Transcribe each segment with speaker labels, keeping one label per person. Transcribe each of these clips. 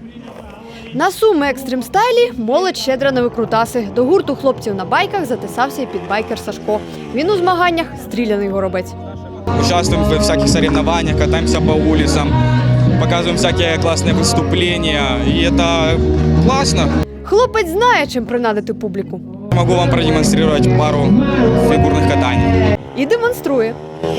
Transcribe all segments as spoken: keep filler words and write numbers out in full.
Speaker 1: На Суми екстрим-стайлі молодь щедра на викрутаси. До гурту хлопців на байках затисався і підбайкер Сашко. Він у змаганнях стріляний горобець.
Speaker 2: Участвуем в всяких соревнованиях, катаемся по улицам, показываем всякие классные выступления. И это классно.
Speaker 1: Хлопець знає, чим принадити публіку.
Speaker 2: Могу вам продемонстрировать пару фигурных катаний.
Speaker 1: І демонструє.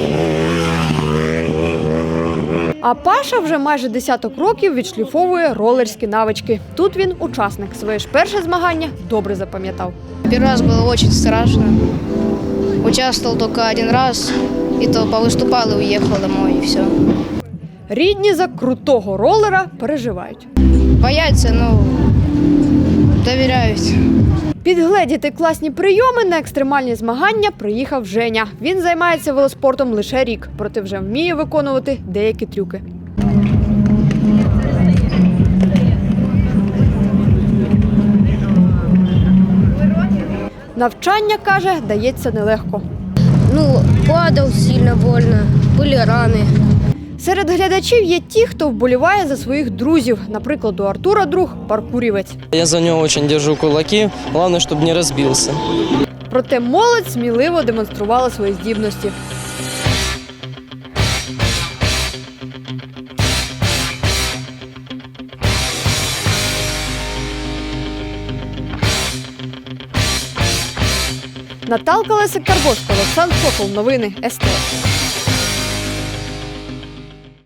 Speaker 1: А Паша вже майже десяток років відшліфовує ролерські навички. Тут він учасник. Своє ж перше змагання добре запам'ятав.
Speaker 3: Первый раз было очень страшно. Участвовал только один раз, и то повыступал и уехал домой, и все.
Speaker 1: Рідні за крутого ролера переживають.
Speaker 3: Боятся, но доверяют.
Speaker 1: Підгледіти класні прийоми на екстремальні змагання приїхав Женя. Він займається велоспортом лише рік, проте вже вміє виконувати деякі трюки. Навчання, каже, дається нелегко.
Speaker 3: Ну, падал сильно больно, были раны.
Speaker 1: Серед глядачів є ті, хто вболіває за своїх друзів. Наприклад, у Артура друг – паркурівець.
Speaker 4: Я за него очень держу кулаки, главное, чтобы не разбился.
Speaker 1: Проте молодь сміливо демонструвала свої здібності. Наталка Лесик-Карбовська, Олександр Сокол. Новини ес те ес.